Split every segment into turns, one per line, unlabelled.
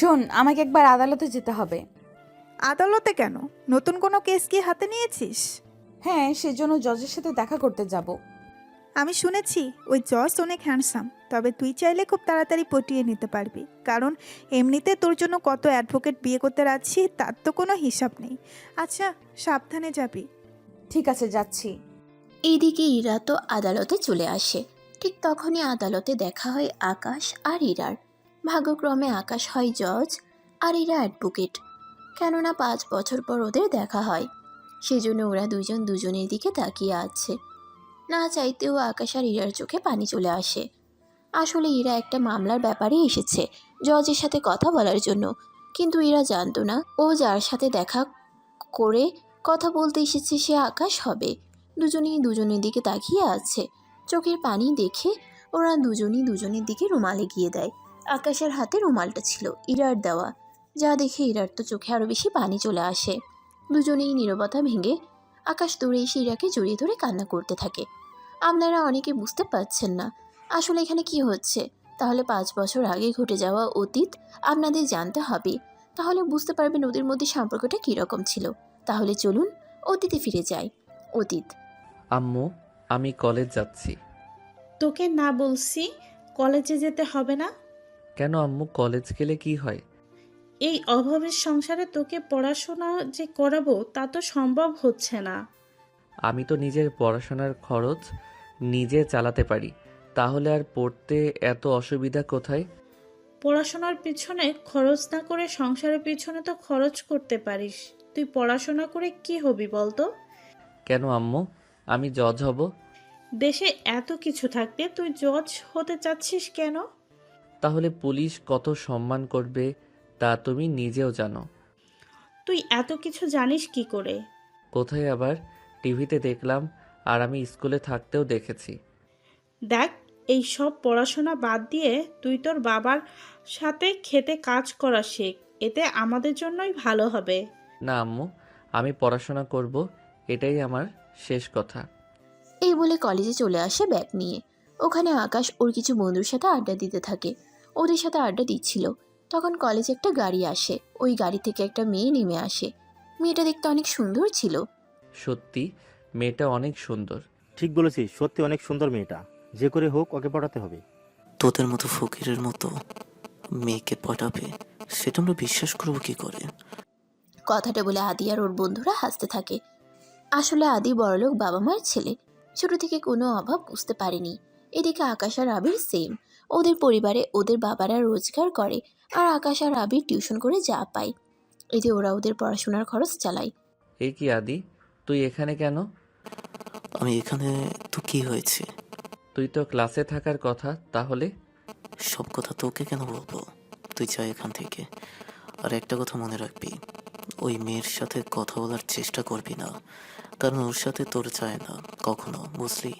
শোন, আমাকে একবার আদালতে যেতে হবে।
আদালতে কেন? নতুন কোনো কেস কি হাতে নিয়েছিস?
হ্যাঁ, সেজন্য জজের সাথে দেখা করতে যাব।
আমি শুনেছি ওই জজ অনেক হ্যান্ডসাম, তবে তুই চাইলে খুব তাড়াতাড়ি পটিয়ে নিতে পারবি, কারণ এমনিতে তোর জন্য কত অ্যাডভোকেট বিয়ে করতে রাখছি তার তো কোনো হিসাব নেই। আচ্ছা, সাবধানে যাবি।
ঠিক আছে, যাচ্ছি।
এইদিকে ইরা তো আদালতে চলে আসে। ঠিক তখনই আদালতে দেখা হয় আকাশ আর ইরার। ভাগ্যক্রমে আকাশ হয় জজ আর ইরা অ্যাডভোকেট। কেননা 5 বছর পর ওদের দেখা হয়, সেজন্য ওরা দুজন দুজনের দিকে তাকিয়ে আছে। না চাইতেও আকাশ আর ইরার চোখে পানি চলে আসে। আসলে ইরা একটা মামলার ব্যাপারে এসেছে জজের সাথে কথা বলার জন্য, কিন্তু ইরা জানতো না ও যার সাথে দেখা করে কথা বলতে এসেছে সে আকাশ হবে। দুজনেই দুজনের দিকে তাকিয়ে আছে। চোখের পানি দেখে ওরা দুজনই দুজনের দিকে রুমাল এগিয়ে দেয়। আকাশের হাতে রুমালটা ছিল ইরার দেওয়া, যা দেখে ইরার তো চোখে আরও বেশি পানি চলে আসে। দুজনেই নীরবতা ভেঙে আকাশ দৌড়ে এসে ইরাকে জড়িয়ে ধরে কান্না করতে থাকে। আপনারা অনেকে বুঝতে পারছেন না আসলে এখানে কি হচ্ছে। তাহলে 5 বছর আগে ঘটে যাওয়া অতীত আপনাদের জানতে হবে, তাহলে বুঝতে পারবেন ওদের মধ্যে সম্পর্কটা কীরকম ছিল। তাহলে চলুন অতীতে ফিরে যাই। অতীত।
আম্মু, আমি কলেজ যাচ্ছি।
তোকে না বলছি কলেজে যেতে হবে না?
কেন আম্মু, কলেজ গেলে কি হয়?
এই অভাবের সংসারে তোকে পড়াশোনা যে করাবো তা তো সম্ভব হচ্ছে না।
আমি তো নিজের পড়াশোনার খরচ নিজে চালাতে পারি, তাহলে আর পড়তে এত অসুবিধা কোথায়?
পড়াশোনার পিছনে খরচ না করে সংসারের পিছনে তো খরচ করতে পারিস। তুই পড়াশোনা করে কি হবি বলতো?
কেন আম্মু, আমি জজ হব?
দেশে এত কিছু থাকতে তুই জজ হতে চাচ্ছিস কেন?
তাহলে পুলিশ কত সম্মান করবে তা তুমি নিজেও জানো।
তুই এত কিছু জানিস কি করে?
কোথায় আবার, টিভিতে দেখলাম, আর আমি স্কুলে থাকতেও দেখেছি।
দেখ, এই সব পড়াশোনা বাদ দিয়ে তুই তোর বাবার সাথে খেতে কাজ করা শেখ, এতে আমাদের জন্যই ভালো হবে।
না আম্মু, আমি পড়াশোনা করব, এটাই আমার শেষ কথা।
এই বলে কলেজে চলে আসে ব্যাগ নিয়ে। ওখানে আকাশ ওর কিছু বন্ধুর সাথে আড্ডা দিতে থাকে। ওদের সাথে আড্ডা দিচ্ছিল, তখন কলেজে একটা গাড়ি আসে। ওই গাড়ি থেকে একটা মেয়ে নেমে আসে। মেয়েটা দেখতে অনেক সুন্দর ছিল।
সত্যি, মেয়েটা অনেক সুন্দর।
ঠিক বলেছিস, সত্যি অনেক সুন্দর মেয়েটা। যে করে হোক ওকে পটাতে হবে।
তোদের মতো ফকিরের মতো মেয়েকে পটাবে, সেটা আমরা বিশ্বাস করবো কি করে?
কথাটা বলে আদি আর ওর বন্ধুরা হাসতে থাকে। আসলে আদি বড়লোক বাবা মায়ের ছেলে, ছোট থেকে কোনো অভাব বুঝতে পারেনি। এদিকে আকাশ আর আবির সেম। ওদের পরিবারে ওদের বাবারা রোজগার করে, আর আকাশ আর আবির টিউশন করে যা পায় এতে ওরা ওদের পড়াশোনার খরচ চালায়।
এই কি আদি, তুই এখানে কেন?
আমি এখানে তো কি হয়েছে?
তুই তো ক্লাসে থাকার কথা, তাহলে?
সব কথা তোকে কেন বলবো? তুই যা এখান থেকে। আর একটা কথা মনে রাখবি, ওই মেয়ের সাথে কথা বলার চেষ্টা করবি না, কারণ ওর সাথে তোর চায় না কখনো, বুঝলি?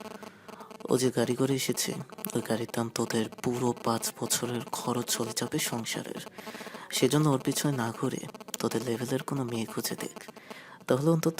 ও যে গাড়ি করে এসেছে, ওই গাড়ির দাম তোদের পুরো 5 বছরের খরচ চলে যাবে সংসারের। সেজন্য ওর পিছনে না ঘুরে তোদের লেভেলের কোনো মেয়ে খুঁজে দেখ, তাহলে অন্তত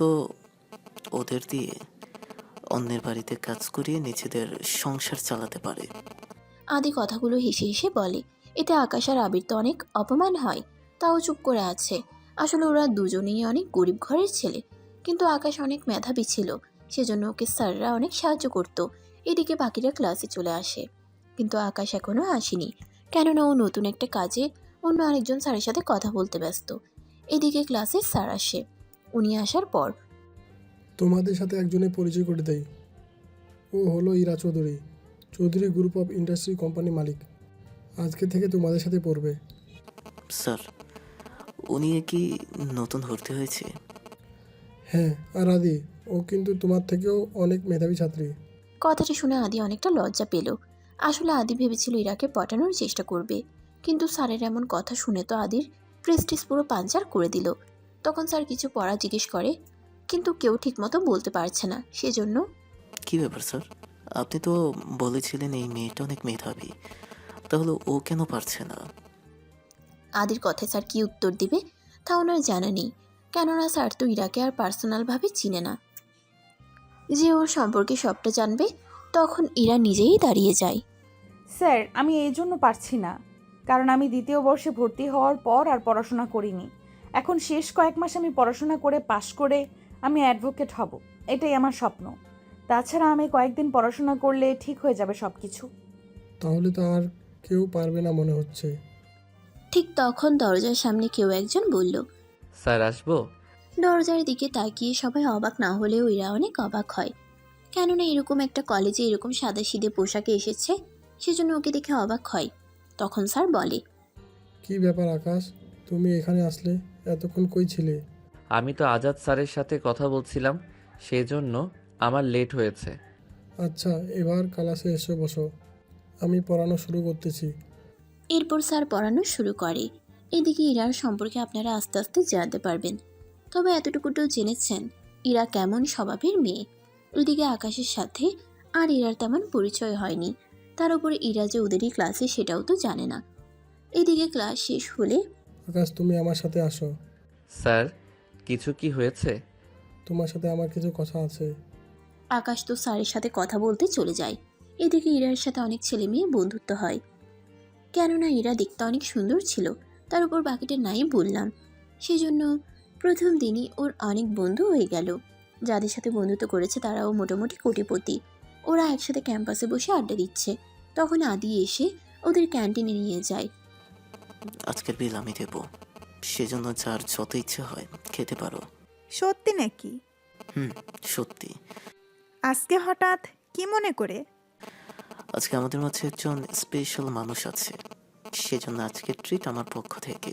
ওদের দিয়ে অন্যের বাড়িতে কাজ করিয়ে নিজেদের সংসার চালাতে পারে।
আদি কথাগুলো হেসে হেসে বলে। এতে আকাশ আর আবির তো অনেক অপমান হয়, তাও চুপ করে আছে। আসলে ওরা দুজনেই অনেক গরিব ঘরের ছেলে, কিন্তু আকাশ অনেক মেধাবী ছিল, সেজন্য ওকে স্যাররা অনেক সাহায্য করত। এদিকে বাকিরা ক্লাসে চলে আসে, কিন্তু আকাশ এখনও আসেনি, কেননা ও নতুন একটা কাজে অন্য আরেকজন স্যারের সাথে কথা বলতে ব্যস্ত। এদিকে ক্লাসে স্যার আসে। উনি আসার পর
তোমাদের সাথে একজনের পরিচয় করে দেই। ও হলো Ira Chowdhury, Chowdhury group of industry company মালিক। আজকে থেকে তোমাদের সাথে পড়বে।
স্যার, উনি কি নতুন ভর্তি হয়েছে?
হ্যাঁ, আর আদি, ও কিন্তু তোমার থেকেও অনেক মেধাবী ছাত্রী।
কথাটা শুনে আদি অনেকটা লজ্জা পেল। আসলে আদি ভেবেছিল ইরাকে পটানোর চেষ্টা করবে, কিন্তু স্যারের এমন কথা শুনে তো আদির প্রেস্টিজ পুরো পাঞ্চার করে দিল। তখন স্যার কিছু পড়া জিজ্ঞেস করে, কিন্তু কেউ ঠিকমতো বলতে পারছে না, সেজন্য
কি ব্যাপার স্যার? আপনি তো বলেছিলেন এই মেয়েটা অনেক মেধাবী, তাহলে ও কেন পারছে না?
আদির কথায় স্যার কি উত্তর দিবে তা ওনার জানা নেই, কেননা স্যার তো ইরাকে আর পার্সোনালভাবে চিনে না যে ওর সম্পর্কে সবটা জানবে। তখন ইরা নিজেই দাঁড়িয়ে যায়।
স্যার, আমি এই জন্য পারছি না। কারণ আমি দ্বিতীয় বর্ষে ভর্তি হওয়ার পর আর পড়াশোনা করিনি। এখন শেষ কয়েক মাস আমি পড়াশোনা করে পাশ করে আমি অ্যাডভোকেট হব, এটাই আমার স্বপ্ন। তাছাড়া আমি কয়েকদিন পড়াশোনা করলে ঠিক হয়ে যাবে সব কিছু।
তাহলে তো আর কেউ পারবে না মনে হচ্ছে।
ঠিক তখন দরজার সামনে কেউ একজন বলল।
স্যার আসবো?
দরজার দিকে তাকিয়ে সবাই অবাক না হলেও ইরা অনেক অবাক হয়। কেননা এরকম একটা কলেজে এরকম সাদাসিধে পোশাকে এসেছে, সেজন্য ওকে দেখে অবাক হয়। তখন স্যার বলে,
কি ব্যাপার আকাশ, তুমি এখানে আসলে? এতক্ষণ কই ছিলে?
আমি তো আজাদ স্যারের সাথে কথা বলছিলাম, সেজন্য আমার লেট হয়েছে।
আচ্ছা, এবার ক্লাসে এসে বসো, আমি পড়ানো শুরু করতেছি।
এরপর স্যার পড়ানো শুরু করে। এদিকে ইরার সম্পর্কে আপনারা আস্তে আস্তে জানতে পারবেন। তবে এতটুকুটাও জেনেছেন ইরা কেমন স্বভাবের মেয়ে। ওইদিকে আকাশের সাথে আর ইরার তেমন পরিচয় হয়নি। তার উপরে ইরা যে ওদেরই ক্লাসে সেটাও তো জানে না। এদিকে ক্লাস শেষ হলে
আকাশ, তুমি আমার সাথে আসো।
স্যার, কিছু কি হয়েছে?
তোমার সাথে আমার কিছু কথা আছে।
আকাশ তো স্যারের সাথে কথা বলতে চলে যায়। এদিকে ইরার সাথে অনেক ছেলে মেয়ে বন্ধুত্ব হয়, কেননা ইরা দেখতে অনেক সুন্দর ছিল। তার উপর বাকিটা নাই বললাম, সেজন্য প্রথম দিনই ওর অনেক বন্ধু হয়ে গেল। যাদের সাথে বন্ধুত্ব করেছে তারাও মোটামুটি কোটিপতি। ওরা একসাথে ক্যাম্পাসে বসে আড্ডা দিচ্ছে, তখন আদি এসে ওদের ক্যান্টিনে নিয়ে যায়।
আজকের বিল আমি দেবো, সেজন্য যার যত ইচ্ছে হয় খেতে পারো।
সত্যি নাকি?
হুম, সত্যি।
আজকে হঠাৎ কি মনে করে?
আজকে আমাদের মাঝে একজন স্পেশাল মানুষ আছে, সেজন্য আজকের ট্রিট আমার পক্ষ থেকে।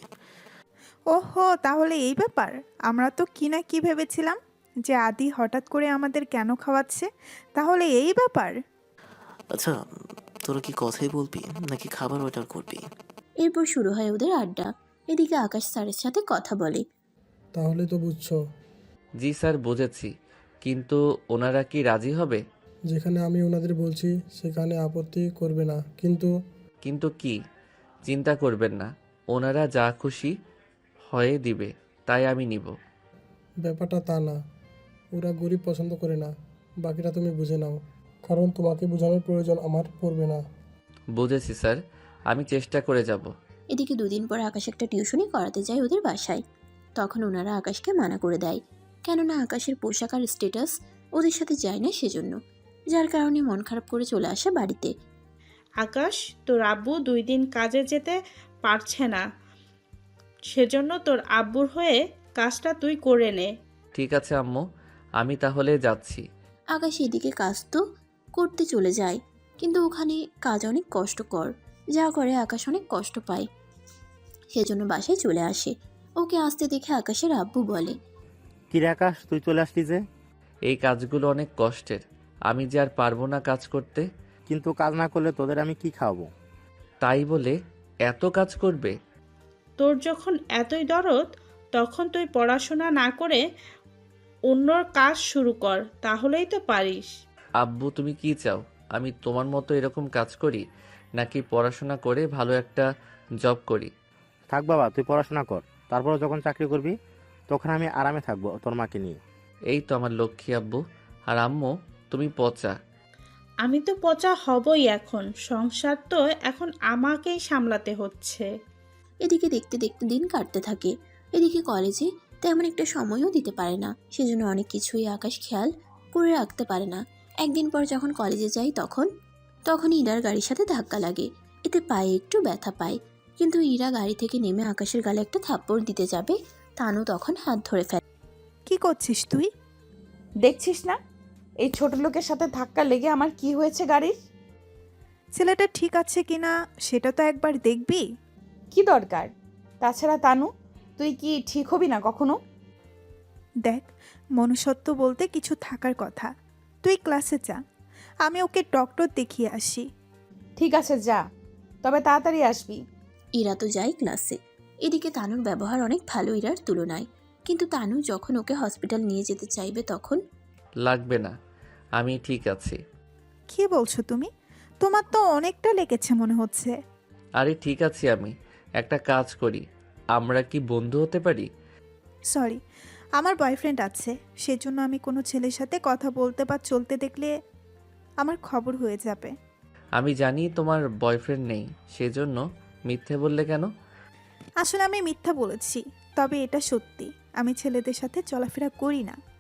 ওহো, তাহলে এই ব্যাপার। আমরা তো কি না কি ভেবেছিলাম যে আদি হঠাৎ করে আমাদের কেন খাওয়াচ্ছে। তাহলে এই ব্যাপার।
আচ্ছা, তোরা কি কথাই বলবি নাকি খাবার অর্ডার করবি?
এরপর শুরু হয় ওদের আড্ডা। এদিকে আকাশ স্যারের সাথে কথা বলে।
তাহলে তো বুঝছো।
জি স্যার, বুঝেছি, কিন্তু ওনারা কি রাজি হবে?
যেখানে আমি ওনাদের বলছি সেখানে আপত্তি করবে না, কিন্তু
কিন্তু কি? চিন্তা করবেন না, ওনারা যা খুশি হয়ে দিবে তাই আমি নিব।
ব্যাপারটা তা না। ওরা গরিব পছন্দ করে না, বাকিটা তুমি বুঝে নাও। কারণ তোমাকে বোঝানোর প্রয়োজন আমার পড়বে না।
বুঝেছি স্যার, আমি চেষ্টা করে যাব।
এদিকে দুদিন পর আকাশ একটা টিউশনি করাতে যায় ওদের বাসায়। তখন ওনারা আকাশকে মানা করে দেয়, কেননা আকাশের পোশাক আর স্ট্যাটাস ওদের সাথে যায় না, সেজন্য। যার কারণে মন খারাপ করে চলে আসে বাড়িতে।
আকাশ, তোর আব্বু 2 দিন কাজে যেতে পারছে না, সেজন্য তোর আব্বুর হয়ে কাজটা তুই করে নে।
ঠিক আছে আম্মু, আমি তাহলে যাচ্ছি।
আকাশ এদিকে কাজ তো করতে চলে যায়, কিন্তু ওখানে কাজ অনেক কষ্টকর, যা করে আকাশ অনেক কষ্ট পায়। সেজন্য বাসায় চলে আসে। ওকে আসতে দেখে আকাশের আব্বু বলে,
কিরে আকাশ, তুই চলে আসলি যে?
এই কাজগুলো অনেক কষ্টের, আমি যে আর পারবো না কাজ করতে।
কিন্তু কাজ না করলে তোদের আমি কি খাওয়াবো?
তাই বলে এত কাজ করবে?
তোর যখন এতই দরদ, তখন তুই পড়াশোনা না করে অন্যর কাজ শুরু কর, তাহলেই তো পারিস।
আব্বু, তুমি কি চাও? আমি তোমার মতো এরকম কাজ করি, নাকি পড়াশোনা করে ভালো একটা জব করি?
থাক বাবা, তুই পড়াশোনা কর, তারপর যখন চাকরি করবি তখন আমি আরামে থাকবো তোর মাকে নিয়ে।
এই তো আমার লক্ষ্মী আব্বু। আর আম্মু, তুমি পচা।
আমি তো পচা হবই, এখন সংসার তো এখন আমাকেই সামলাতে হচ্ছে।
এদিকে দেখতে দেখতে দিন কাটতে থাকে। এদিকে কলেজে তেমন একটা সময়ও দিতে পারে না, সেজন্য অনেক কিছুই আকাশ খেয়াল করে রাখতে পারে না। একদিন পর যখন কলেজে যাই তখন ইরার গাড়ির সাথে ধাক্কা লাগে। এতে পায়ে একটু ব্যথা পায়, কিন্তু ইরা গাড়ি থেকে নেমে আকাশের গালে একটা থাপ্পড় দিতে যাবে, তানু তখন হাত ধরে ফেলে।
কি করছিস তুই?
দেখছিস না এই ছোট লোকের সাথে ধাক্কা লেগে আমার কি হয়েছে গাড়ির?
ছেলেটা ঠিক আছে কিনা সেটা তো একবার দেখবি।
কি দরকার? তাছাড়া তানু, তুই কি ঠিক হবি না কখনো?
দেখ, মনুষ্যত্ব বলতে কিছু থাকার কথা। তুই ক্লাসে যা, আমি ওকে ডক্টর দেখিয়ে আসি।
ঠিক আছে, যা, তবে তাড়াতাড়ি আসবি।
ইরা তো যায় ক্লাসে। এদিকে তানুর ব্যবহার অনেক ভালো ইরার তুলনায়, কিন্তু তানু যখন ওকে হসপিটাল নিয়ে যেতে চাইবে তখন
লাগবে না, আমি ঠিক আছি।
কি বলছো তুমি? তোমার তো অনেকটা লেগেছে মনে হচ্ছে।
আরে ঠিক আছি আমি। একটা কাজ করি, আমরা কি বন্ধু হতে পারি?
সরি, আমার বয়ফ্রেন্ড আছে, সেজন্য আমি কোনো ছেলের সাথে কথা বলতে বা চলতে দেখলে আমার খবর হয়ে যাবে।
আমি জানি তোমার বয়ফ্রেন্ড নেই, সেজন্য মিথ্যে বললে কেন?
আসলে আমি মিথ্যা বলেছি, তবে এটা সত্যি। আমি ছেলেদের সাথে চলাফেরা করি না।